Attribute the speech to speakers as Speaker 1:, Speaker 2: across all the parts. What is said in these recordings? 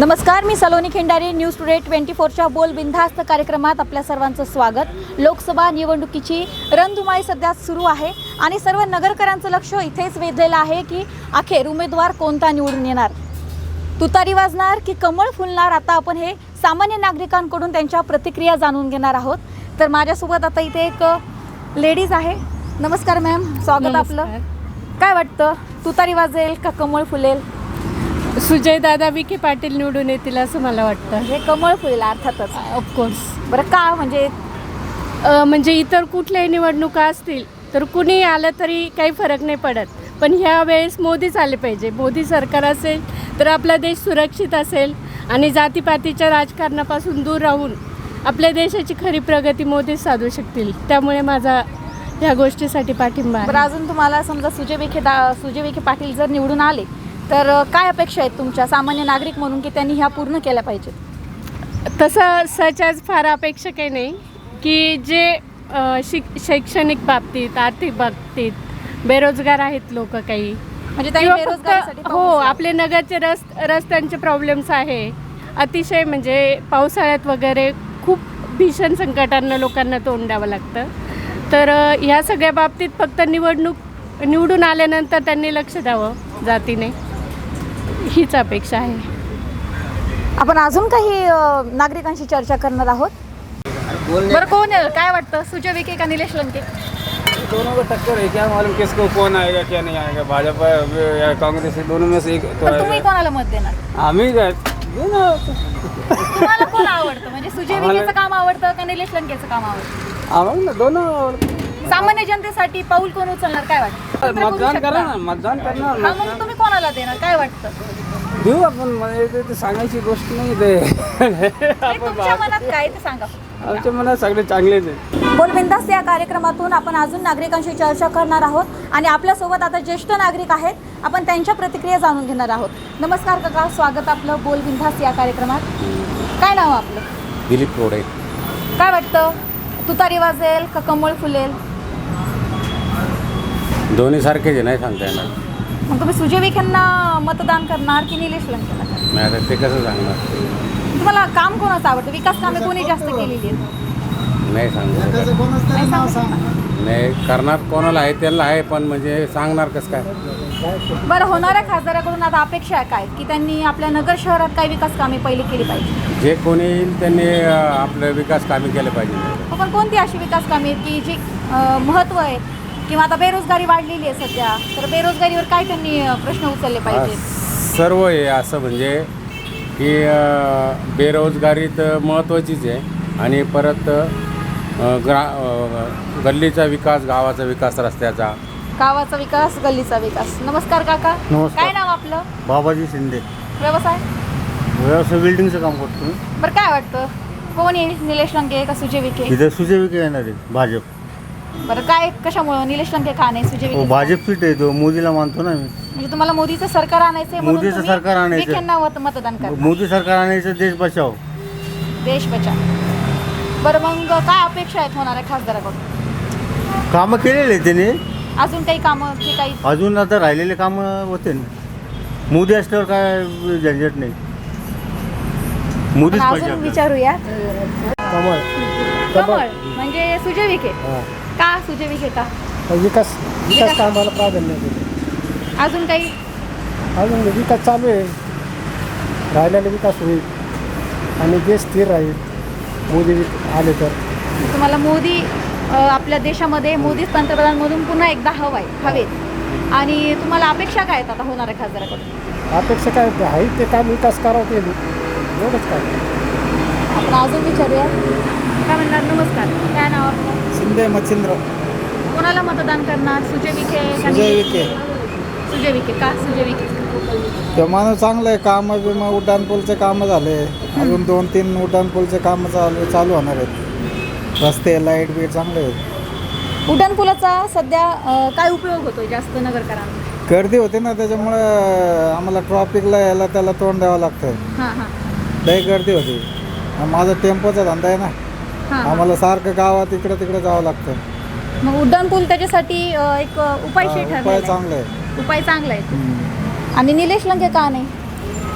Speaker 1: नमस्कार, मी Saloni Khindari. News today 24च्या बोल बिनधास्त कार्यक्रमात आपल्या सर्वांचं स्वागत. लोकसभा निवडणुकीची रणधुमाळी सध्या सुरू आहे आणि सर्व नगरकरांचं लक्ष इथेच वेधलेलं आहे की अखेर उमेदवार कोणता निवडून येणार, तुतारी वाजणार की कमळ फुलणार. आता आपण हे सामान्य नागरिकांकडून त्यांच्या प्रतिक्रिया जाणून घेणार आहोत. तर माझ्यासोबत आता इथे एक लेडीज आहे. नमस्कार मॅम, स्वागत आपलं. काय वाटतं, तुतारी वाजेल का कमळ फुलेल?
Speaker 2: सुजय दादा विखे पाटील निवडून येतील असं मला वाटतं.
Speaker 1: हे कमळ फुलेल अर्थातच.
Speaker 2: ऑफकोर्स.
Speaker 1: बरं, का
Speaker 2: म्हणजे इतर कुठल्याही निवडणुका असतील तर कुणी आलं तरी काही फरक नाही पडत, पण ह्या वेळेस मोदीच आले पाहिजे. मोदी सरकार असेल तर आपला देश सुरक्षित असेल आणि जातीपातीच्या राजकारणापासून दूर राहून आपल्या देशाची खरी प्रगती मोदीच साधू शकतील. त्यामुळे माझा ह्या गोष्टीसाठी पाठिंबा आहे.
Speaker 1: बरं, अजून तुम्हाला समजा सुजय विखे पाटील जर निवडून आले तर काय अपेक्षा आहेत तुमच्या सामान्य नागरिक म्हणून की त्यांनी ह्या पूर्ण केल्या पाहिजेत?
Speaker 2: तसं सच फार अपेक्षा काही नाही की जे शैक्षणिक बाबतीत, आर्थिक बाबतीत बेरोजगार आहेत लोक काही,
Speaker 1: म्हणजे त्यांनी बेरोजगारीसाठी
Speaker 2: हो, आपले नगरचे रस्त्यांचे प्रॉब्लेम्स आहे अतिशय. म्हणजे पावसाळ्यात वगैरे खूप भीषण संकटांना लोकांना तोंड द्यावं लागतं. तर ह्या सगळ्या बाबतीत फक्त निवडून आल्यानंतर त्यांनी लक्ष द्यावं जातीने, हीच अपेक्षा आहे.
Speaker 1: आपण अजून काही नागरिकांशी चर्चा करणार आहोत. बरं, कोण आहे, काय वाटतं, सुजय विखे का निलेश लंके?
Speaker 3: दोनों को टक्कर है, क्या मालूम किसको कौन आएगा क्या नहीं आएगा, भाजपा या कांग्रेस, दोनों में से एक तो
Speaker 1: तर तुम्ही कोणाला मत देणार?
Speaker 3: आम्ही काय
Speaker 1: तुम्हाला कोण आवडतं, म्हणजे सुजय विखेचं काम आवडतं का निलेश लंकेचं काम आवडतं?
Speaker 3: आम्हाला दोनों.
Speaker 1: सामान्य जनतेसाठी पाऊल कोण उचलणार, काय वाटतं?
Speaker 3: मतदान करा ना, मतदान करणार.
Speaker 1: हा, मग तुम्ही कोणाला देणार, काय वाटतं?
Speaker 3: देऊ आपण, म्हणजे ते सांगायची गोष्ट नाही ते.
Speaker 1: नाही, तुमच्या मनात काय ते सांगा.
Speaker 3: आमच्या मनात सगळे चांगलेच आहे.
Speaker 1: बोलबिंदास या कार्यक्रमातून आपण अजून नागरिकांशी चर्चा करणार आहोत आणि आपल्यासोबत आता ज्येष्ठ नागरिक आहेत. आपण त्यांच्या प्रतिक्रिया जाणून घेणार आहोत. नमस्कार काका, स्वागत आपलं बोलबिंदास या कार्यक्रमात. काय नाव आपलं?
Speaker 4: दिलीप रोडे.
Speaker 1: काय वाटतं, तुतारी वाजेल का कमळ फुलेल?
Speaker 4: दोन्ही सारखेच आहे, नाही सांगता येणार.
Speaker 1: मग तुम्ही सुजय विखेंना मतदान करणार की निलेश लंकेला करणार?
Speaker 4: नाही आता ते कसं सांगणार,
Speaker 1: तुम्हाला काम कोणाचं आवडतं, विकास कामे कोणी जास्त केलेली आहेत?
Speaker 4: नाही सांगू शकत.
Speaker 1: नाही सांगू शकणार.
Speaker 4: नाही करणार कोणाला आहे त्याला आहे, पण म्हणजे सांगणार कसं काय.
Speaker 1: बरं, होणाऱ्या खासदाराकडून आता अपेक्षा आहे काय की त्यांनी आपल्या नगर शहरात काही विकास कामे पहिली केली पाहिजे?
Speaker 4: जे कोणी येईल त्यांनी आपलं विकास कामे केले पाहिजे.
Speaker 1: पण कोणती अशी विकास कामे आहेत की जी महत्त्व आहे, किंवा आता बेरोजगारी वाढलेली आहे सध्या, तर बेरोजगारीवर काय त्यांनी प्रश्न उचलले पाहिजे?
Speaker 4: सर्व आहे असं, म्हणजे की बेरोजगारी तर महत्त्वाचीच आहे आणि परत गल्लीचा विकास, गावाचा विकास, रस्त्याचा,
Speaker 1: गावाचा विकास, गल्लीचा विकास. नमस्कार काका.
Speaker 5: नमस्कार.
Speaker 1: काय नाव आपलं?
Speaker 5: बाबाजी शिंदे.
Speaker 1: व्यवसाय?
Speaker 5: व्यवसाय बिल्डिंगचं काम करतो मी.
Speaker 1: बरं, काय वाटतं, कोण येईल, निलेश लंके का सुजय विखे?
Speaker 5: इथं सुजय विखे येणार आहे, भाजप.
Speaker 1: बरं, काय कशामुळं निलेश लंके का नाही, सुजय विखे?
Speaker 5: भाजप सीट आहे, तो मोदीला मानतो ना मी.
Speaker 1: म्हणजे तुम्हाला मोदीचं सरकार आणायचंय म्हणून
Speaker 5: मोदीचं
Speaker 1: तुम्ही
Speaker 5: सरकार आणायचं.
Speaker 1: विखेंना मतदान करा.
Speaker 5: मोदी सरकार आणायचं, देश बचाव.
Speaker 1: देश बचाव. बरं, मग काय अपेक्षा आहेत होणाऱ्या खासदाराकडून?
Speaker 5: कामं केलेले आहे त्याने,
Speaker 1: अजून काही कामं की काही?
Speaker 5: अजून आता राहिलेले कामं होते ना. मोदी असल्यावर काय झंझट नाही, मोदीच
Speaker 1: आपण
Speaker 5: पाहिजे
Speaker 1: अजून
Speaker 5: आपल्याला.
Speaker 1: विचारूया.
Speaker 5: कमळ.
Speaker 1: कमळ म्हणजे सुजय विखे. का सुजय विखे का?
Speaker 6: विकास कामाला प्राधान्य दिले.
Speaker 1: अजून काही?
Speaker 6: अजून विकास चालू आहे, राहिलेला विकास होईल आणि देश स्थिर राहील मोदी आले तर.
Speaker 1: तुम्हाला मोदी आपल्या देशामध्ये मोदीच पंतप्रधान म्हणून पुन्हा एकदा हवेत, आणि तुम्हाला अपेक्षा काय आहेत आता होणाऱ्या खासदाराकडून?
Speaker 6: अपेक्षा काय आहे ते काम विकास करावं, ते एवढंच काय.
Speaker 1: आपण अजून विचारूया. काय म्हणणार? नमस्कार, काय नाव आपलं?
Speaker 6: शिंदे मच्छिंद्र.
Speaker 1: कोणाला मतदान करणार, सुजय विखे का
Speaker 6: सुजय
Speaker 1: निलेश?
Speaker 6: विखे.
Speaker 1: सुजय विखे का? सुजय विखे.
Speaker 6: ते माणूस चांगलं आहे, कामं बिमं उड्डाणपूलचे कामं झाले, अजून 2-3 उड्डाणपूलचे कामं चालू होणार आहेत. रस्ते, लाईट बीट चांगले आहेत.
Speaker 1: उड्डाणपुलाचा सध्या काय उपयोग होतोय जास्त नगरकरांना?
Speaker 6: गर्दी होते ना, त्याच्यामुळं आम्हाला ट्रॉफिकला यायला त्याला तोंड द्यावं लागतं.
Speaker 1: हां हां
Speaker 6: लई गर्दी होती. माझा टेम्पोचा धंदा आहे ना,
Speaker 1: हां.
Speaker 6: आम्हाला सारखं गावात इकडं तिकडं जावं लागतं.
Speaker 1: मग उड्डाणपूल त्याच्यासाठी एक उपायशी
Speaker 6: उपाय
Speaker 1: ठरलेला आहे.
Speaker 6: चांगला आहे.
Speaker 1: उपाय चांगला आहे. आणि निलेश लंके का नाही?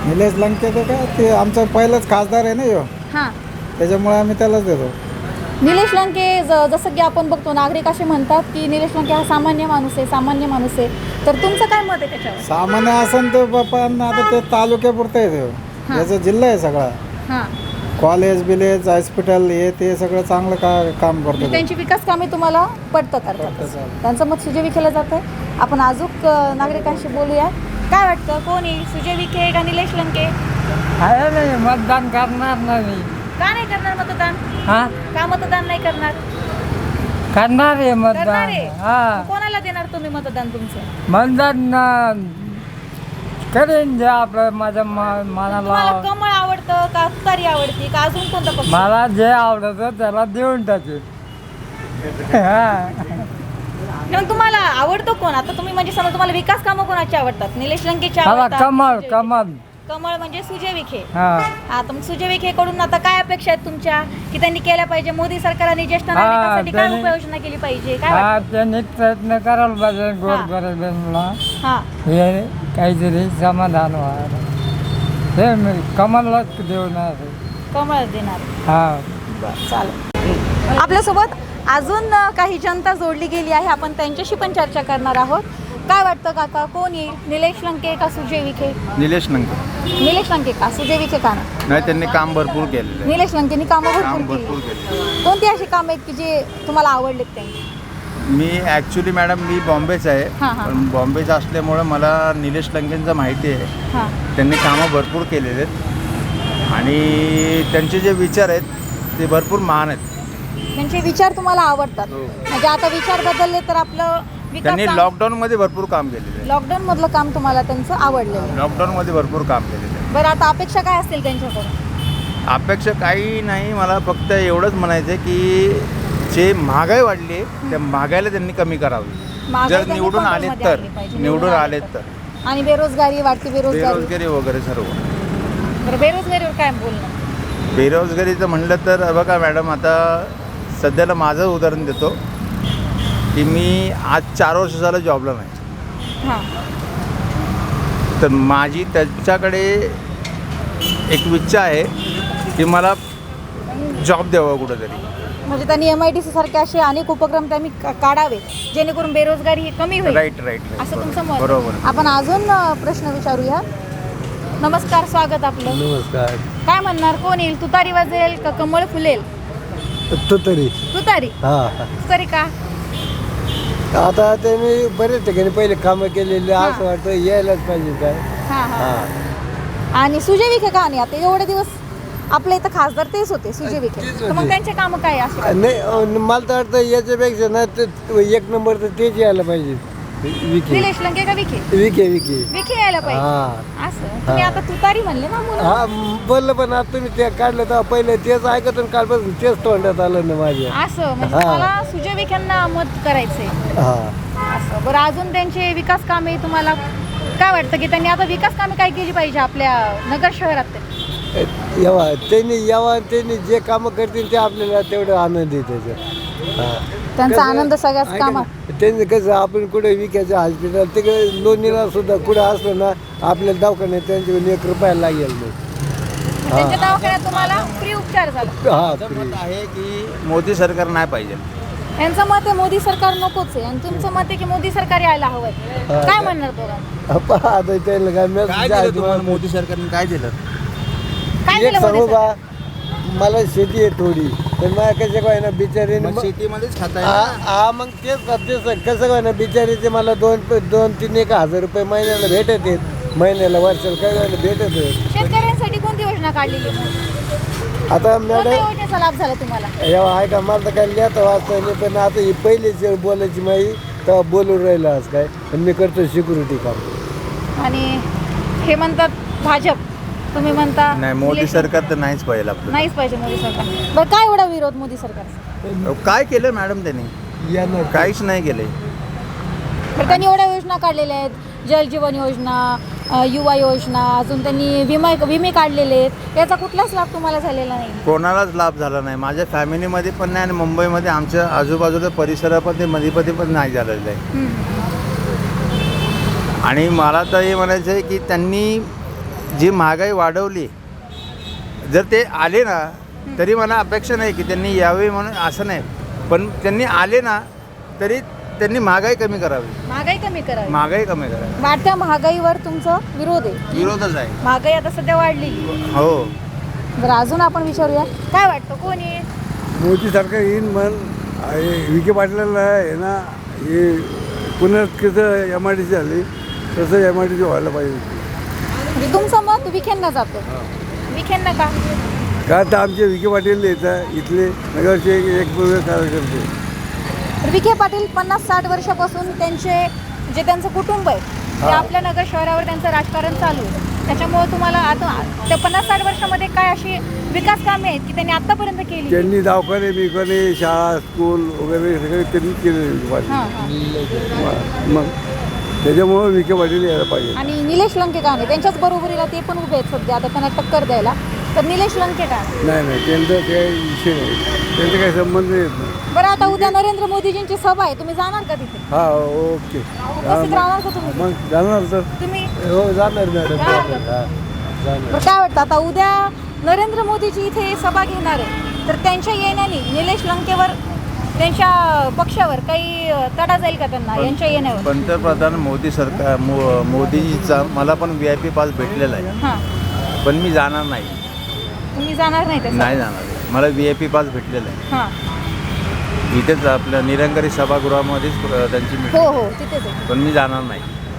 Speaker 6: निलेश लंके ते काय ते आमचा पहिलाच खासदार आहे ना ह्यो,
Speaker 1: हां
Speaker 6: त्याच्यामुळे आम्ही त्यालाच देतो.
Speaker 1: निलेश लंके जसं की आपण बघतो नागरिक असे म्हणतात की निलेश लंके हा सामान्य माणूस आहे. तर तुमचं काय मत आहे त्याच्यावर?
Speaker 6: सामान्य असन तर बापा आता ते तालुक्यापुरतं आहे ते,
Speaker 1: हां.
Speaker 6: याचा जिल्हा आहे सगळा.
Speaker 1: हां,
Speaker 6: कॉलेज बिलेज हॉस्पिटल हे ते सगळं चांगलं काम करतो ते.
Speaker 1: त्यांची विकास कामे तुम्हाला पडतात
Speaker 6: पटतं
Speaker 1: अर्थात.
Speaker 6: चालेल.
Speaker 1: त्यांचं मत सुजय विखेला जातं. आपण अजून नागरिकांशी बोलूया. काय वाटतं, कोण येईल, सुजय विखे का निलेश लंके?
Speaker 7: आहे नाही मतदान करणार नाही.
Speaker 1: का नाही करणार मतदान?
Speaker 7: हा
Speaker 1: का मतदान नाही करणार?
Speaker 7: करणार आहे
Speaker 1: करणार
Speaker 7: मतदान.
Speaker 1: आहे.
Speaker 7: हा
Speaker 1: कोणाला देणार तुम्ही मतदान तुमचं?
Speaker 7: मतदान करेन जे आपलं माझ्या मनाला
Speaker 1: तुम्हाला कमळ आवडतं का तुतारी आवडती का अजून कोणता पक्ष?
Speaker 7: मला जे आवडतं त्याला देऊन टाकेल. हा
Speaker 1: मग तुम्हाला आवडतो कोण? आता तुम्ही म्हणजे समजा तुम्हाला विकास कामं कोणाची आवडतात? निलेश लंकेची
Speaker 7: मला
Speaker 1: आवडतात?
Speaker 7: कमळ
Speaker 1: सुजय
Speaker 7: कमळ
Speaker 1: विखे? कमळ म्हणजे सुजय विखे.
Speaker 7: हा
Speaker 1: हा, तर मग सुजय विखेकडून आता काय अपेक्षा आहेत तुमच्या की त्यांनी केल्या पाहिजे? मोदी सरकारने ज्येष्ठ नागरिकांसाठी काय
Speaker 7: त्यांनी-
Speaker 1: उपाययोजना केली पाहिजे? काय
Speaker 7: हा
Speaker 1: वाटतं?
Speaker 7: त्यांनी प्रयत्न करायला पाहिजे गोरगरिबांना
Speaker 1: हा,
Speaker 7: हे काहीतरी समाधान व्हायला. हे मी कमललाच देणार आहे.
Speaker 1: कमळ देणार.
Speaker 7: हा
Speaker 1: चालेल. आपल्यासोबत अजून काही जनता जोडली गेली आहे. आपण त्यांच्याशी पण चर्चा करणार आहोत. काय वाटतं काका, कोण येईल, निलेश लंके का सुजय विखे?
Speaker 8: निलेश लंके.
Speaker 1: निलेश लंके का? सुजय विखे का नाही?
Speaker 8: नाही, त्यांनी काम भरपूर केलेलं आहे.
Speaker 1: निलेश लंकेनी कामं
Speaker 8: काम
Speaker 1: भरपूर
Speaker 8: भरपूर
Speaker 1: केली.
Speaker 8: केले.
Speaker 1: कोणती अशी कामं आहेत की जे तुम्हाला आवडलेत त्यांची?
Speaker 8: मी ॲक्च्युली मॅडम मी बॉम्बेच आहे.
Speaker 1: हां, हां.
Speaker 8: पण बॉम्बेचं असल्यामुळं मला निलेश लंकेंचं माहिती आहे.
Speaker 1: हां,
Speaker 8: त्यांनी कामं भरपूर केलेले आहेत आणि त्यांचे जे विचार आहेत ते भरपूर महान आहेत.
Speaker 1: त्यांचे विचार तुम्हाला आवडतात.
Speaker 8: हो.
Speaker 1: म्हणजे आता विचार बदलले तर आपलं
Speaker 8: त्यांनी
Speaker 1: विकास
Speaker 8: लॉकडाऊनमध्ये भरपूर काम केलेलं आहे.
Speaker 1: लॉकडाऊन मधलं काम तुम्हाला त्यांचं आवडलेलं आहे.
Speaker 8: लॉकडाऊनमध्ये भरपूर काम केलेलं आहे.
Speaker 1: बरं, आता अपेक्षा काय असतील त्यांच्याकडून?
Speaker 8: अपेक्षा काही नाही, मला फक्त एवढंच म्हणायचं आहे की जे महागाई वाढली आहे त्या महागाईला त्यांनी कमी करावी.
Speaker 1: महागाई
Speaker 8: जर
Speaker 1: त्यांनी
Speaker 8: निवडून आले
Speaker 1: कंट्रोलमध्ये
Speaker 8: तर
Speaker 1: आणली पाहिजे.
Speaker 8: निवडून आले तर
Speaker 1: आणि बेरोजगारी वाढती,
Speaker 8: बेरोजगारी वगैरे सर्व.
Speaker 1: बरं, बेरोजगारीवर काय बोलणं?
Speaker 8: बेरोजगारीचं म्हणलं तर बघा मॅडम, आता सध्याला माझं उदाहरण देतो की मी आज 4 वर्ष झालं जॉबला नाही.
Speaker 1: हां,
Speaker 8: तर माझी त्याच्याकडे एक इच्छा आहे की मला जॉब द्यावा कुठंतरी.
Speaker 1: म्हणजे त्यांनी MIDC सारखे असे अनेक उपक्रम त्यांनी काढावे जेणेकरून बेरोजगारी ही कमी होईल.
Speaker 8: राईट
Speaker 1: असं तुमचं मत?
Speaker 8: बरोबर.
Speaker 1: आपण अजून प्रश्न विचारूया. नमस्कार, स्वागत आपलं.
Speaker 5: नमस्कार.
Speaker 1: काय म्हणणार, कोण येईल, तुतारी वाजेल का कमळ फुलेल?
Speaker 5: तुतारी.
Speaker 1: तुतारी.
Speaker 5: हा
Speaker 1: तुतारी का?
Speaker 5: आता त्यांनी बरेच ठिकाणी पहिले कामं केलेली,
Speaker 1: हां.
Speaker 5: असं वाटतं यायलाच पाहिजे काय.
Speaker 1: हां हां.
Speaker 5: हा
Speaker 1: आणि सुजय विखे का नाही? आता एवढे दिवस आपल्या इथं खासदार तेच होते, सुजय विखे.
Speaker 5: तेच
Speaker 1: तर मग
Speaker 5: होते.
Speaker 1: त्यांचे कामं काय असे?
Speaker 5: नाही, मला तर वाटतं याच्यापेक्षा ना ते एक नंबर तर तेच यायला पाहिजे. विखे
Speaker 1: निलेश लंके का विखे?
Speaker 5: विखे विखे.
Speaker 1: विखे यायला पाहिजे.
Speaker 5: हा
Speaker 1: असं तुम्ही आता तुतारी म्हणले ना म्हणून.
Speaker 5: हा बोललं, पण आता तुम्ही ते काढलं तर पहिले तेच ऐकत आणि कालपासून तेच तोंडात आलं ना माझ्या.
Speaker 1: असं म्हणजे
Speaker 5: हा.
Speaker 1: मला सुजय विखेंना मत करायचंय.
Speaker 5: हा
Speaker 1: असं बरं, अजून त्यांचे विकास कामे तुम्हाला काय वाटतं की त्यांनी आता विकास कामे काय केली पाहिजे आपल्या नगर शहरात?
Speaker 5: त्यांनी जे कामं करतील ते आपल्याला तेवढं आनंद आहे त्याच्यात. हा.
Speaker 1: त्यांचा
Speaker 5: कसं-
Speaker 1: आनंद सगळ्याच
Speaker 5: ऐका
Speaker 1: कामात.
Speaker 5: ना, त्यांनी कसं आपण कुठे विकायचं हॉस्पिटल तिकडे लोणीला सुद्धा कुठे असलं ना आपल्याला दवाखान्यात त्यांच्याकडून 1 रुपया लागेल नाही.
Speaker 1: त्यांच्या दवाखान्यात तुम्हाला फ्री उपचार झाला.
Speaker 5: हा
Speaker 8: माझं मत आहे की मोदी सरकार नाही पाहिजे.
Speaker 1: यांचं मत आहे मोदी सरकार नकोच आहे आणि तुमचं मत आहे की मोदी सरकार यायला हवंय. काय म्हणणार दोघांना?
Speaker 5: आता त्याला काय
Speaker 8: काय दिलं
Speaker 5: message
Speaker 8: तुम्हाला मोदी सरकारने? काय दिलं?
Speaker 1: काय
Speaker 5: एक
Speaker 1: दिलं
Speaker 5: सांगू
Speaker 1: मोदी
Speaker 5: का, मला शेती आहे थोडी, पण मला कसं काय ना बिचारी
Speaker 8: मग शेतीमध्येच खाता येईल ना?
Speaker 5: हा मग तेच कसं काय ना बिचारीचे मला 2-3 हजार रुपये महिन्याला भेटत आहेत, महिन्याला वर्षाला काय झालं भेटत आहेत.
Speaker 1: शेतकऱ्यांसाठी कोणती योजना काढलेली मग?
Speaker 5: आता
Speaker 1: कोणत्या
Speaker 5: मॅडम
Speaker 1: योजनेचा लाभ झाला तुम्हाला?
Speaker 5: एवढा आहे का, मला तर काय लिहिता वाचता नाही, पण आता ही पहिलीच बोलायची माही तेव्हा बोलून राहिलं आज काय, पण मी करतो सिक्युरिटी काम.
Speaker 1: आणि हे म्हणतात भाजप, तुम्ही म्हणता
Speaker 8: नाही, मोदी
Speaker 1: निलेश-
Speaker 8: सरकार तर नाहीच पाहिजे आपलं.
Speaker 1: नाहीच पाहिजे मोदी सरकार. बरं, काय एवढा विरोध मोदी सरकार?
Speaker 8: काय केलं मॅडम त्यांनी?
Speaker 5: येणार
Speaker 8: काहीच नाही केले.
Speaker 1: बरं, त्यांनी एवढ्या योजना काढलेल्या आहेत, जल जीवन योजना, युवा योजना, अजून त्यांनी विमे काढलेले आहेत. याचा कुठलाच लाभ तुम्हाला झालेला नाही?
Speaker 8: कोणालाच लाभ झाला नाही. माझ्या फॅमिलीमध्ये पण नाही आणि मुंबईमध्ये आमच्या आजूबाजूच्या परिसरामध्ये मध्ये पण नाही झालेलं आहे. आणि मला तर हे म्हणायचं आहे की त्यांनी जी महागाई वाढवली, जर ते आले ना तरी मला अपेक्षा नाही की त्यांनी यावे म्हणून असं नाही, पण त्यांनी आले ना तरी त्यांनी महागाई कमी करावी.
Speaker 1: महागाई कमी करावी.
Speaker 8: महागाई कमी करावी.
Speaker 1: वाढत्या महागाईवर तुमचं विरोध आहे.
Speaker 8: विरोधच आहे.
Speaker 1: महागाई आता सध्या वाढलेली.
Speaker 8: हो.
Speaker 1: बरं, अजून आपण विचारूया, काय वाटतं कोण आहे?
Speaker 5: मोदी सरकार येईन म्हण. विखे पाटलाला आहे ना, हे पुण्यात कसं MIDC झाली तसं MIDC व्हायला पाहिजे.
Speaker 1: म्हणजे तुमचं मत विखेंना जातं. विखेंना का?
Speaker 5: का तर आमचे विखे पाटील येतात इथले नगरचे एक कार्यकर्ते.
Speaker 1: तर विखे पाटील 50-60 वर्षापासून त्यांचं कुटुंब आहे ते आपल्या नगर शहरावर त्यांचं राजकारण चालू आहे. त्याच्यामुळे तुम्हाला आता त्या 50-60 वर्षामध्ये काय अशी विकास कामे आहेत की त्यांनी आतापर्यंत केली?
Speaker 5: त्यांनी दवाखाने बिखाने शाळा स्कूल वगैरे सगळे त्यांनी केले विखे पाटील.
Speaker 1: हां, हां.
Speaker 5: मग त्याच्यामुळं विखे पाटील यायला पाहिजे.
Speaker 1: आणि निलेश लंके का नाही? त्यांच्याच बरोबरीला ते पण उभे आहेत सध्या, आता त्यांना टक्कर द्यायला. तर निलेश लंके का
Speaker 5: नाही त्यांचं काही विषय नाही, त्यांचा काही संबंध येत नाही.
Speaker 1: बरं, आता उद्या नरेंद्र मोदीजींची सभा आहे, तुम्ही जाणार का तिथे?
Speaker 5: हा ओके.
Speaker 1: उपस्थित राहणार का तुम्ही?
Speaker 5: मग जाणार तर
Speaker 1: तुम्ही
Speaker 5: हो जाणार मॅडम.
Speaker 1: जाणार का?
Speaker 5: जाणार.
Speaker 1: बरं, काय वाटतं आता उद्या नरेंद्र मोदीजी इथे सभा घेणार आहे, तर त्यांच्या येण्याने निलेश लंकेवर त्यांच्या पक्षावर काही तडा जाईल का त्यांना यांच्या येण्यावर?
Speaker 8: पंतप्रधान मोदी सरकार मोदीजीचा मला पण VIP पास भेटलेला आहे,
Speaker 1: हां,
Speaker 8: पण मी जाणार नाही.
Speaker 1: तुम्ही जाणार नाही त्यासाठी?
Speaker 8: नाही जाणार. मला VIP पास भेटलेला आहे.
Speaker 1: हां,
Speaker 8: इथेच आपल्या निरंकारी सभागृहामध्येच त्यांची
Speaker 1: हो
Speaker 8: मीटिंग,
Speaker 1: हो तिथेच आहे.
Speaker 8: पण मी जाणार नाही.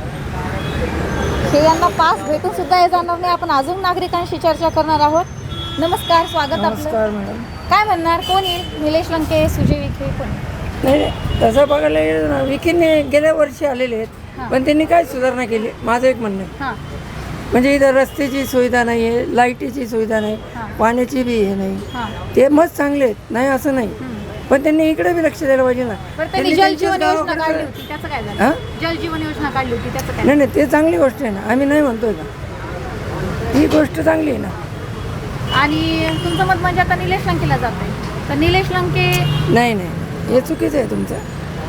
Speaker 1: हे यांना पास भेटून सुद्धा हे जाणार नाही. आपण अजून नागरिकांशी चर्चा करणार आहोत. नमस्कार, स्वागत आपलं.
Speaker 7: मॅडम.
Speaker 1: काय म्हणणार, कोण येईल? निलेश लंके, सुजय विखे, कोण?
Speaker 7: नाही तसं बघायला गेलं ना, विखेने गेल्या वर्षी आलेले आहेत,
Speaker 1: हां.
Speaker 7: पण त्यांनी काय सुधारणा केली माझं एक म्हणणं आहे.
Speaker 1: हां,
Speaker 7: म्हणजे इथं रस्त्याची सुविधा नाही आहे, लाईटीची सुविधा नाही,
Speaker 1: हां.
Speaker 7: पाण्याची बी हे नाही.
Speaker 1: हां.
Speaker 7: ते मस्त चांगले आहेत, नाही असं नाही, पण त्यांनी इकडे बी लक्ष द्यायला पाहिजे ना.
Speaker 1: बरं, त्यांनी
Speaker 7: त्यांच्या
Speaker 1: जलजीवन योजना
Speaker 7: गावाकडे-
Speaker 1: काढली होती, त्याचं काय झालं?
Speaker 7: हां?
Speaker 1: जलजीवन योजना काढली होती, त्याचं काय?
Speaker 7: नाही नाही ते चांगली गोष्ट आहे ना, आम्ही नाही म्हणतोय का, ही गोष्ट चांगली आहे ना.
Speaker 1: आणि तुमचं मत म्हणजे आता निलेश लंकेला जात आहे, तर निलेश लंके,
Speaker 7: नाही नाही हे चुकीचं आहे तुमचं.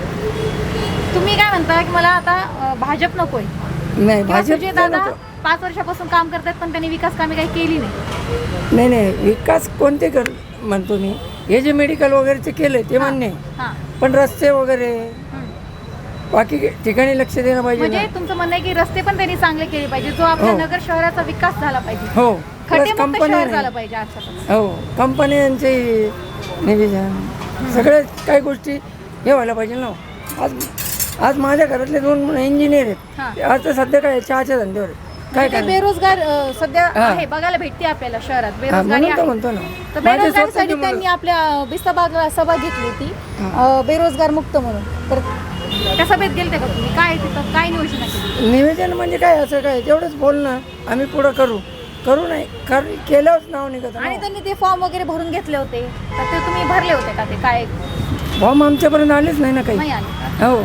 Speaker 1: तुम्ही काय म्हणता की मला आता भाजप नकोय?
Speaker 7: नाही
Speaker 1: किंवा
Speaker 7: भाजप
Speaker 1: सुजय दादा 5 वर्षापासून काम करतात पण त्यांनी विकास कामे काही केली नाही.
Speaker 7: नाही नाही विकास कोणते कर म्हणतो मी, हे जे मेडिकल वगैरेचे केले ते मान्य आहे,
Speaker 1: हां,
Speaker 7: पण रस्ते वगैरे
Speaker 1: हं.
Speaker 7: बाकी ठिकाणी लक्ष देणं पाहिजे
Speaker 1: म्हणजे
Speaker 7: ना.
Speaker 1: तुमचं म्हणणं आहे की रस्ते पण त्यांनी चांगले केले पाहिजे, जो आपल्या
Speaker 7: हो.
Speaker 1: नगर शहराचा विकास झाला पाहिजे,
Speaker 7: हो
Speaker 1: खड्डेमुक्त शहर झालं पाहिजे आजच्या.
Speaker 7: हो कंपन्यांचे निवेदन सगळ्या काही गोष्टी हे व्हायला पाहिजे ना. आज माझ्या घरातले 2 इंजिनियर
Speaker 1: हां.
Speaker 7: आहेत, आज तर सध्या काय चहाच्या धंद्यावर आहे. काय
Speaker 1: म्हणजे
Speaker 7: काय
Speaker 1: बेरोजगार सध्या
Speaker 7: हां.
Speaker 1: आहे, बघायला भेटते आपल्याला शहरात बेरोजगारी
Speaker 7: म्हणून तर
Speaker 1: आहे.
Speaker 7: म्हणतो ना
Speaker 1: तर
Speaker 7: माझे
Speaker 1: बेरोजगारीसाठी
Speaker 7: स्वतःची मुलं-
Speaker 1: त्यांनी आपल्या बिस्तबागला सभा घेतली होती, बेरोजगार मुक्त म्हणून. तर त्या सभेत गेलते का तुम्ही? काय तिथं काय नियोजन केली?
Speaker 7: निवेदन म्हणजे काय असं काय तेवढंच बोलणं, आम्ही पुढं करू नाही केल्यावरच नाव निघत ना.
Speaker 1: आणि त्यांनी ते फॉर्म वगैरे भरून घेतले होते, तर ते तुम्ही भरले होते का? ते काय
Speaker 7: फॉर्म आमच्यापर्यंत आलेच नाही ना काही.
Speaker 1: नाही आले?
Speaker 7: हो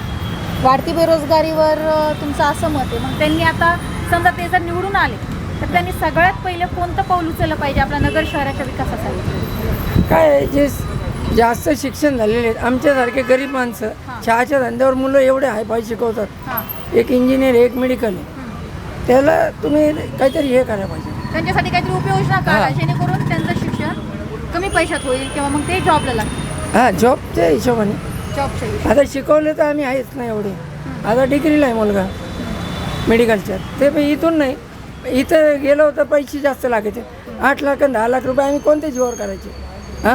Speaker 1: वाढती बेरोजगारीवर तुमचं असं मत आहे. मग त्यांनी आता समजा ते जर निवडून आले तर त्यांनी सगळ्यात पहिले कोणतं पाऊल उचललं पाहिजे आपल्या नगर शहराच्या विकासासाठी?
Speaker 7: काय आहे, जे जास्त शिक्षण झालेले आहेत आमच्यासारखे गरीब माणसं
Speaker 1: हां.
Speaker 7: चहाच्या धंद्यावर मुलं एवढे हायफाय शिकवतात,
Speaker 1: हां,
Speaker 7: एक इंजिनियर एक मेडिकल आहे, त्याला तुम्ही काहीतरी हे करायला पाहिजे.
Speaker 1: त्यांच्यासाठी काहीतरी उपयोजना काढा
Speaker 7: हां.
Speaker 1: जेणेकरून त्यांचं शिक्षण कमी पैशात होईल किंवा मग ते जॉबला लागतील.
Speaker 7: हां जॉबच्या हिशोबाने.
Speaker 1: जॉबच्या हिशोबाने.
Speaker 7: आता शिकवले तर आम्ही आहेच नाही एवढे, आता डिग्रीला आहे मुलगा मेडिकलच्या, ते पण इथून नाही, इथं गेलो तर पैसे जास्त लागायचे, 8 लाख आणि 10 लाख रुपये आम्ही कोणत्या जीवावर करायचे. हां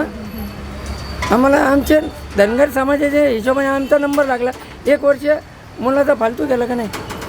Speaker 7: आम्हाला आमच्या धनगर समाजाच्या हिशोबाने आमचा नंबर लागला, 1 वर्ष मुलाचा फालतू गेला का नाही.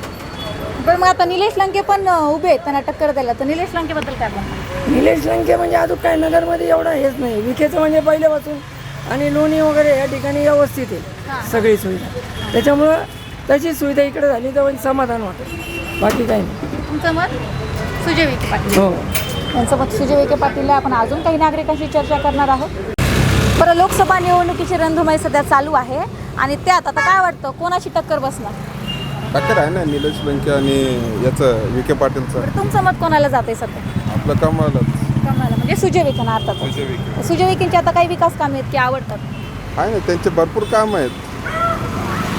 Speaker 1: पण मग आता निलेश लंके पण उभे आहेत त्यांना टक्कर द्यायला, तर निलेश लंकेबद्दल काय म्हणतात?
Speaker 7: निलेश लंके म्हणजे अजून काय नगरमध्ये एवढा हेच नाही, विखेचं म्हणजे पहिल्यापासून आणि लोणी वगैरे या ठिकाणी व्यवस्थित आहे सगळी सुविधा, त्याच्यामुळं तशी सुविधा इकडे झाली तर म्हणजे समाधान वाटेल, बाकी काही नाही.
Speaker 1: तुमचं मत? सुजय विखे पाटील.
Speaker 7: हो
Speaker 1: यांचं मत सुजय विखे पाटील. आपण अजून काही नागरिकांशी चर्चा करणार आहोत. बरं, लोकसभा निवडणुकीची रणधुमाळी सध्या चालू आहे आणि त्यात आता काय वाटतं कोणाची टक्कर बसणार?
Speaker 9: टक्कर आहे ना निलेश लंके आणि याचं विखे पाटीलचं.
Speaker 1: बरं, तुमचं मत कोणाला जाते सध्या?
Speaker 9: आपलं कमळच.
Speaker 1: कमळाला म्हणजे सुजय विखे अर्थात.
Speaker 9: सुजय विखे
Speaker 1: सुजय विखेंची आता काही विकास कामे आहेत की आवडतात?
Speaker 9: आहे ना, त्यांचे भरपूर काम आहेत.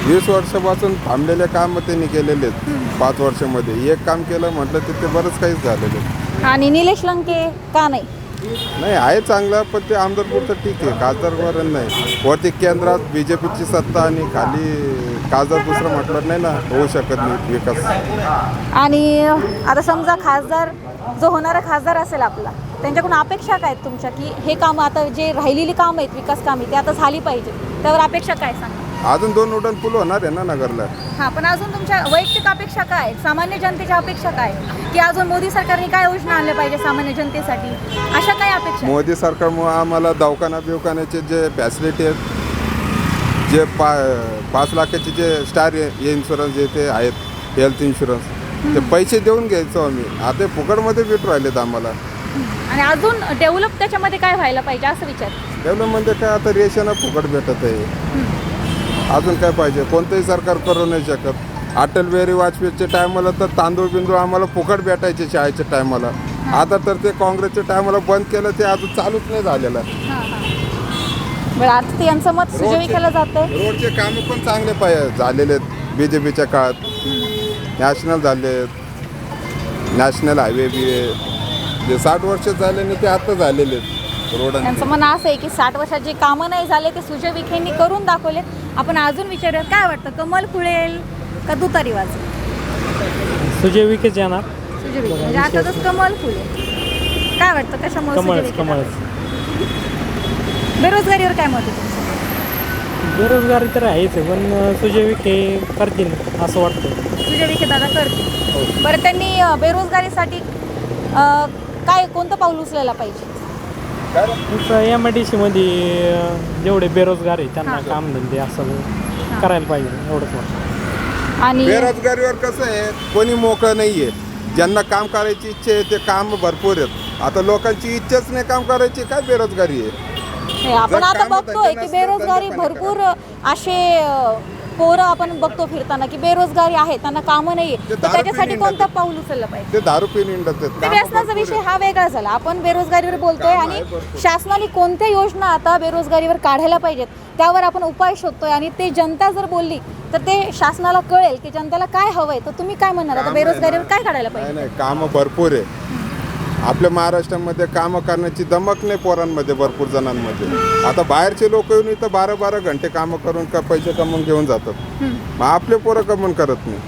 Speaker 9: 20 वर्षापासून थांबलेले काम त्यांनी केलेले आहेत 5 वर्षामध्ये. एक काम केलं म्हटलं तर ते बरंच काहीच झालेलं आहे.
Speaker 1: आणि निलेश लंके का नाही?
Speaker 9: नाही आहे चांगलं, पण ते आमदारपुरतं ठीक आहे, खासदारपर्यंत नाही. वरती केंद्रात BJPची सत्ता आणि खाली खासदार दुसरं म्हटलं नाही ना, होऊ शकत नाही विकास.
Speaker 1: आणि आता समजा खासदार जो होणारा खासदार असेल आपला, त्यांच्याकडून अपेक्षा काय आहेत तुमच्या, की हे काम आता जे राहिलेली कामं आहेत विकास कामे ते आता झाली पाहिजे, त्यावर अपेक्षा काय सांगा?
Speaker 9: अजून 2 उड्डाण पूल होणार आहे ना नगरला.
Speaker 1: हां, पण अजून तुमच्या वैयक्तिक अपेक्षा काय आहेत? सामान्य जनतेच्या अपेक्षा काय आहेत? की अजून मोदी सरकारने काय योजना आणल्या पाहिजे सामान्य जनतेसाठी, अशा काय अपेक्षा आहेत?
Speaker 9: मोदी सरकारमुळे आम्हाला दवाखान्याचे जे फॅसिलिटी आहेत, जे 5 लाखाचे जे स्टार इन्शुरन्स जे ते आहेत, हेल्थ इन्शुरन्स, ते पैसे देऊन घ्यायचो आम्ही. आता ते फुकटमध्ये भेटू राहिलेत आम्हाला.
Speaker 1: आणि अजून डेव्हलप त्याच्यामध्ये काय व्हायला पाहिजे असं विचार?
Speaker 9: डेव्हलपमध्ये काय आता रेशन फुकट भेटत आहे. अजून काय पाहिजे? कोणतंही सरकार करू नाही शकत. अटल बिहारी वाजपेयीच्या टायमाला तर तांदूळ बिंदूळ आम्हाला फुकट भेटायचे शाळेच्या टायमाला. आता तर ते काँग्रेसच्या टायमाला बंद केलं, ते अजून चालूच नाही झालेलं.
Speaker 1: बरं, आता यांचं मत सुजय विखेला जातंय.
Speaker 9: रोडचे कामं पण चांगले झालेले आहेत BJPच्या काळात. नॅशनल झाले आहेत, नॅशनल हायवे बी आहे. जे 60 वर्ष झाले नाही ते आता झालेले आहेत रोड.
Speaker 1: त्यांचं म्हणणं असं आहे की 60 वर्षात जे कामं नाही झाले ते सुजय विखेंनी करून दाखवलेत. आपण अजून विचारूयात, काय वाटतं, कमल फुलेल का तुतारी वाजेल?
Speaker 10: सुजय विखेच येणार.
Speaker 1: सुजय विखे म्हणजे आता तर कमल फुलेल. काय वाटतं, कशामुळे सुजय विखे? बेरोजगारीवर काय मत आहे तुमचं?
Speaker 10: बेरोजगारी तर आहेच, पण सुजय विखे करतील असं वाटतं.
Speaker 1: सुजय विखे दादा करतील. बरं, त्यांनी बेरोजगारीसाठी काय कोणतं पाऊल उचलायला पाहिजे?
Speaker 10: MIDC मध्ये जेवढे बेरोजगार आहे त्यांना कामधंदे असं करायला पाहिजे, एवढंच वाटतं.
Speaker 1: आणि
Speaker 9: बेरोजगारीवर कसं आहे, कोणी मोकळं नाही आहे. ज्यांना काम करायची इच्छा आहे ते काम भरपूर आहेत. आता लोकांची इच्छाच नाही काम करायची, काय बेरोजगारी आहे?
Speaker 1: आपण आता बघतोय की बेरोजगारी भरपूर असे पोरं आपण बघतो फिरताना की बेरोजगारी आहे, त्यांना कामं नाही आहे. तर त्याच्यासाठी कोणतं पाऊल उचललं पाहिजे?
Speaker 9: ते दारू पिऊन हिंडत आहेत.
Speaker 1: ते व्यसनाचा विषय हा वेगळा झाला. आपण बेरोजगारीवर बोलतोय आणि शासनाने कोणत्या योजना आता बेरोजगारीवर काढायला पाहिजेत त्यावर आपण उपाय शोधतोय. आणि ते जनता जर बोलली तर ते शासनाला कळेल की जनतेला काय हवंय. तर तुम्ही काय म्हणणार आता, बेरोजगारीवर काय काढायला पाहिजे?
Speaker 9: नाही, कामं भरपूर आहे आपल्या महाराष्ट्रामध्ये. कामं करण्याची दमक नाही पोरांमध्ये, भरपूर जणांमध्ये. आता बाहेरचे लोक येऊन इथं 12-12 घंटे कामं करून पैसे कमवून घेऊन जातात. मग आपले पोरं कमवून करत नाही.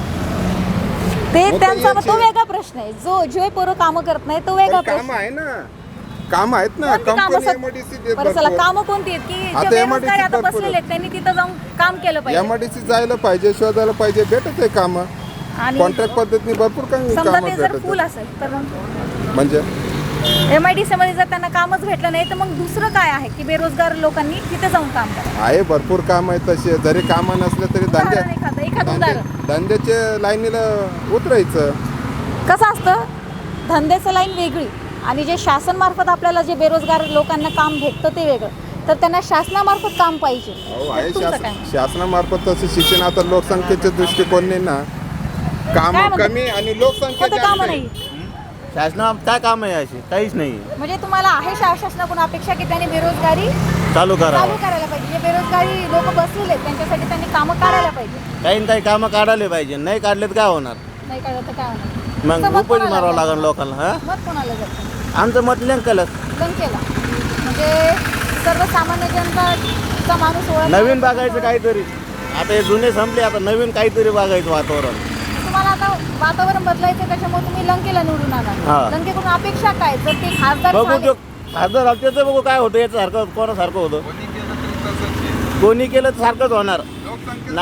Speaker 1: ते त्यांचा तो वेगळा प्रश्न आहे. जो पोरं कामं करत नाही तो वेगळा प्रश्न
Speaker 9: काम आहे ना, काम आहेत ना. कंपनी MIDC देत
Speaker 1: बरं, चला,
Speaker 9: भरपूर.
Speaker 1: कामं कोणती आहेत की
Speaker 9: आता
Speaker 1: जे
Speaker 9: MIDC
Speaker 1: बेरोजगार आता
Speaker 9: भरपूर
Speaker 1: बसलेले आहेत त्यांनी तिथं जाऊन काम केलं पाहिजे.
Speaker 9: MIDC जायला पाहिजे, शोधायला पाहिजे, भेटत आहे कामं.
Speaker 1: आणि
Speaker 9: कॉन्ट्रॅक्ट पद्धतीने भरपूर काही
Speaker 1: समजा
Speaker 9: कामं
Speaker 1: ते जर
Speaker 9: भेटत
Speaker 1: फुल
Speaker 9: आहे.
Speaker 1: असेल तर
Speaker 9: म्हणजे
Speaker 1: MIDC मध्ये जर त्यांना कामच भेटलं नाही तर मग दुसरं काय आहे की बेरोजगार लोकांनी तिथे जाऊन काम करावं?
Speaker 9: आहे, भरपूर काम आहे तसे. जरी कामं नसले तरी
Speaker 1: एखादं उदाहरण
Speaker 9: धंद्याच्या लाईनीला उतरायचं. कसं
Speaker 1: असतं, धंद्याचं लाईन वेगळी आणि जे शासनामार्फत आपल्याला जे बेरोजगार लोकांना काम भेटतं ते वेगळं. तर त्यांना शासनामार्फत काम पाहिजे.
Speaker 9: आहे
Speaker 1: तुमचं काय?
Speaker 9: शासनामार्फत तसं शिक्षण. आता लोकसंख्येच्या दृष्टिकोनाने ना काम
Speaker 1: काय म्हणतात?
Speaker 9: कमी आणि लोकसंख्या
Speaker 1: कोणतं
Speaker 9: जास्त
Speaker 1: कामं
Speaker 9: आहे.
Speaker 1: नाही
Speaker 8: शासना काय काम आहे अशी? काहीच नाही.
Speaker 1: म्हणजे तुम्हाला आहे शासनाकडून अपेक्षा की त्यांनी बेरोजगारी
Speaker 8: चालू
Speaker 1: चालू करायला पाहिजे. जे बेरोजगारी लोक बसलेले आहेत त्यांच्यासाठी त्यांनी कामं काढायला पाहिजे.
Speaker 8: काही ना काही कामं काढायला पाहिजे. नाही काढले तर काय होणार?
Speaker 1: नाही काढलं तर काय होणार?
Speaker 8: मग
Speaker 1: तुमचं मत
Speaker 8: उपज
Speaker 1: कोणाला
Speaker 8: मारावं
Speaker 1: जातं?
Speaker 8: लागेल लोकांना. हा,
Speaker 1: मत कोणाला जातं?
Speaker 8: आमचं मत लंकलच.
Speaker 1: लंकेला. म्हणजे सर्वसामान्य जनताचा माणूस ओळख.
Speaker 8: नवीन बघायचं काहीतरी. आता हे जुने संपले, आता नवीन काहीतरी बघायचं वातावरण.
Speaker 1: तुम्हाला आता वातावरण बदलायचं त्याच्यामुळे तुम्ही लंकेला निवडून आला.
Speaker 8: हा.
Speaker 1: लंकेकडून अपेक्षा काय? जर ते खासदार
Speaker 8: बघू
Speaker 1: झाले-
Speaker 8: तो खासदार झालं त्याचं बघू काय होतं. याच्यासारखं कोणासारखं होतं. कोणी केलं तर सारखंच होणार ना.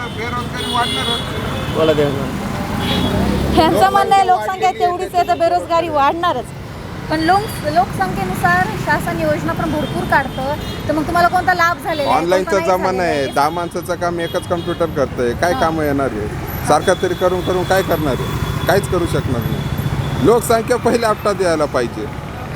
Speaker 8: बोला ते.
Speaker 1: यांचं म्हणणं आहे लोकसंख्या तेवढीच आहे तर बेरोजगारी वाढणारच. पण लोकसंख्येनुसार शासन योजना पण भरपूर काढतं. तर मग तुम्हाला कोणता लाभ झालेला आहे?
Speaker 9: ऑनलाईनचा
Speaker 1: कोणता नाही
Speaker 9: जमाना आहे.
Speaker 1: झालेला आहे?
Speaker 9: 10 माणसाचं काम एकच कम्प्युटर करतंय. काय कामं येणार आहे? सारखं तरी करून करून काय करणार आहे? काहीच करू शकणार नाही. लोकसंख्या पहिले आपटा द्यायला पाहिजे.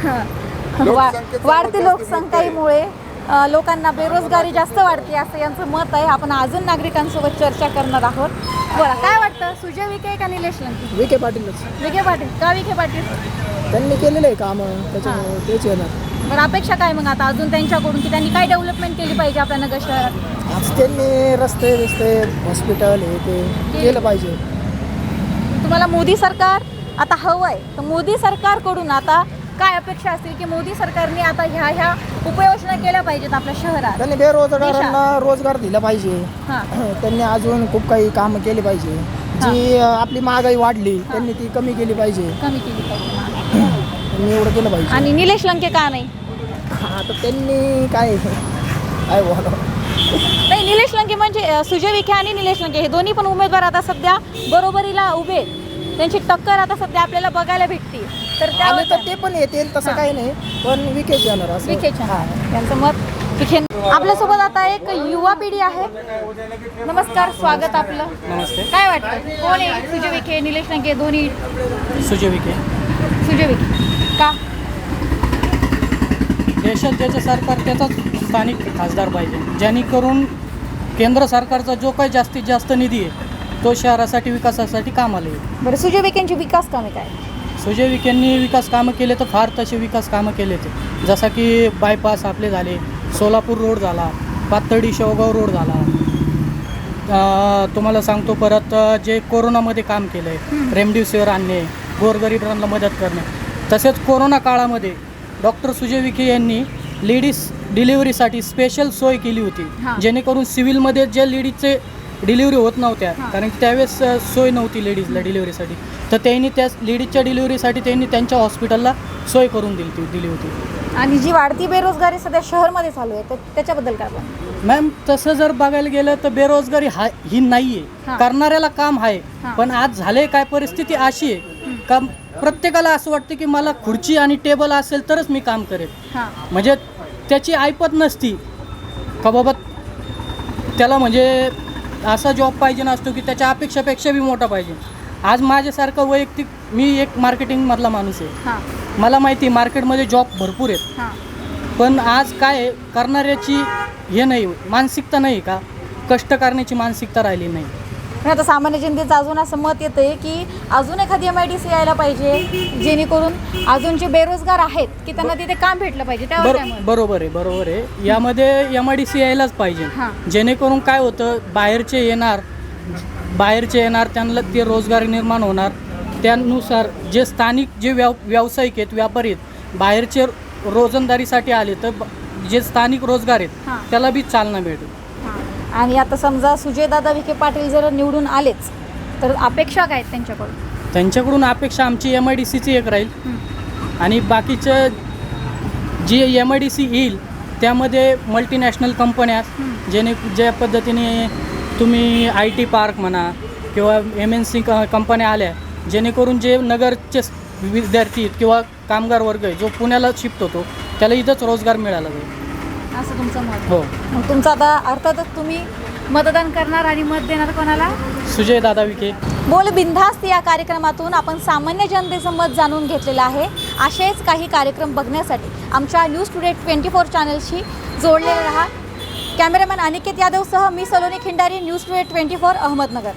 Speaker 1: वाढती लोकसंख्येमुळे लोकांना बेरोजगारी जास्त वाढते असं यांचं मत आहे. आपण अजून नागरिकांसोबत चर्चा करणार आहोत. बरं, काय वाटतं, सुजय विखे का निलेश लंके?
Speaker 7: विखे पाटीलच.
Speaker 1: विखे पाटील का? विखे पाटील
Speaker 7: त्यांनी केलेलं आहे कामं, त्याच्यामुळे तेच येणार.
Speaker 1: बरं, अपेक्षा काय मग आता अजून त्यांच्याकडून की त्यांनी काय डेव्हलपमेंट केली पाहिजे आपल्या नगर शहरात?
Speaker 6: आज त्यांनी रस्ते हॉस्पिटल हे ते केलं पाहिजे.
Speaker 1: तुम्हाला मोदी सरकार आता हवं आहे, तर मोदी सरकारकडून आता काय अपेक्षा असतील की मोदी सरकारने आता ह्या उपाययोजना केल्या पाहिजेत आपल्या शहरात?
Speaker 6: त्यांनी बेरोजगारांना रोजगार दिला पाहिजे.
Speaker 1: हां.
Speaker 6: त्यांनी अजून खूप काही कामं केली पाहिजे. जी आपली महागाई वाढली त्यांनी ती कमी केली पाहिजे.
Speaker 1: कमी केली पाहिजे.
Speaker 6: त्यांनी एवढं केलं पाहिजे.
Speaker 1: आणि निलेश लंके का नाही?
Speaker 6: आता त्यांनी काय बोलावं.
Speaker 1: नाही, निलेश लंके म्हणजे सुजय विखे आणि निलेश लंके हे दोन्ही पण उमेदवार आता सध्या बरोबरीला उभे आहेत. त्यांची टक्कर आता सध्या आपल्याला बघायला भेटते. तर
Speaker 6: आले तर ते पण येतील तसं काही नाही, पण विकेच येणार असं.
Speaker 1: विखेच्या त्यांचं मत विखे. आपल्यासोबत आता एक युवा पिढी आहे. नमस्कार, स्वागत आपलं.
Speaker 10: नमस्ते.
Speaker 1: काय वाटतं कोण आहे? सुजय विखे, निलेश लंके दोन्ही?
Speaker 10: सुजय विखे.
Speaker 1: सुजय विखे का?
Speaker 10: देशात ज्याचं सरकार त्याचाच स्थानिक खासदार पाहिजे, जेणेकरून केंद्र सरकारचा जो काही जास्तीत जास्त निधी आहे तो शहरासाठी विकासासाठी कामाला येईल.
Speaker 1: बरं, सुजय विखेंची विकास कामे काय?
Speaker 10: सुजय विखेंनी विकास कामं केले तर फार तसे विकास कामं केले ते, जसं की बायपास आपले झाले, सोलापूर रोड झाला, पाथर्डी शेवगाव रोड झाला. तुम्हाला सांगतो परत जे कोरोनामध्ये काम केलं आहे, रेमडेसिवीर आणणे, गोरगरिबांना मदत करणे. तसेच कोरोना काळामध्ये डॉक्टर सुजय विखे यांनी लेडीज डिलिव्हरीसाठी स्पेशल सोय केली होती, जेणेकरून सिव्हिलमध्ये जे लेडीजचे डिलिव्हरी होत नव्हत्या, कारण की त्यावेळेस सोय नव्हती लेडीजला डिलिव्हरीसाठी, तर त्यांनी त्या लेडीजच्या डिलिव्हरीसाठी त्यांनी त्यांच्या हॉस्पिटलला सोय करून दिली होती.
Speaker 1: आणि जी वाढती बेरोजगारी सध्या शहरमध्ये चालू आहे तर त्याच्याबद्दल काय पण?
Speaker 10: मॅम, तसं जर बघायला गेलं तर बेरोजगारी ही नाही आहे, करणाऱ्याला काम आहे. पण आज झाले काय, परिस्थिती अशी आहे का प्रत्येकाला असं वाटतं की मला खुर्ची आणि टेबल असेल तरच मी काम करेन. म्हणजे त्याची ऐपत नसती का बाबा त्याला म्हणजे असा जॉब पाहिजे नसतो की त्याच्या अपेक्षापेक्षा बी मोठा पाहिजे. आज माझ्यासारखं वैयक्तिक मी एक मार्केटिंगमधला माणूस आहे, मला माहिती आहे मार्केटमध्ये जॉब भरपूर आहेत. पण आज काय करणाऱ्याची हे नाही, मानसिकता नाही का, कष्ट करण्याची मानसिकता राहिली नाही.
Speaker 1: पण आता सामान्य जनतेचं अजून असं मत येतं आहे की अजून एखादी MIDC यायला पाहिजे, जेणेकरून अजून जे बेरोजगार आहेत की त्यांना तिथे काम भेटलं पाहिजे. त्यावर काय मत?
Speaker 10: बरोबर आहे. यामध्ये MIDC यायलाच पाहिजे, जेणेकरून काय होतं, बाहेरचे येणार त्यांना ते रोजगार निर्माण होणार. त्यानुसार जे स्थानिक जे व्यावसायिक आहेत, व्यापारी आहेत, बाहेरचे रोजंदारीसाठी आले तर जे स्थानिक रोजगार आहेत त्याला बी चालना भेटेल.
Speaker 1: आणि आता समजा सुजयदादा विखे पाटील जर निवडून आलेच तर अपेक्षा काय आहेत
Speaker 10: त्यांच्याकडून? अपेक्षा आमची MIDCची एक राहील, आणि बाकीचं जी MIDC येईल त्यामध्ये मल्टीनॅशनल कंपन्या, ज्या पद्धतीने तुम्ही IT पार्क म्हणा किंवा MNC कंपन्या आल्या, जेणेकरून जे नगरचे विद्यार्थी किंवा कामगार वर्ग आहे जो पुण्याला शिफ्ट होतो त्याला इथंच रोजगार मिळाला जाईल,
Speaker 1: असं तुमचं मत?
Speaker 10: हो.
Speaker 1: मग तुमचं आता अर्थातच तुम्ही मतदान करणार आणि मत देणार कोणाला?
Speaker 10: सुजयदादा विखे.
Speaker 1: बोल बिनधास्त या कार्यक्रमातून आपण सामान्य जनतेचं मत जाणून घेतलेलं आहे. असेच काही कार्यक्रम बघण्यासाठी आमच्या न्यूज टुडे 24 चॅनलशी जोडलेले राहा. कॅमेरामॅन अनिकेत यादवसह मी सलोनी खिंडारी, न्यूज टुडे 24 अहमदनगर.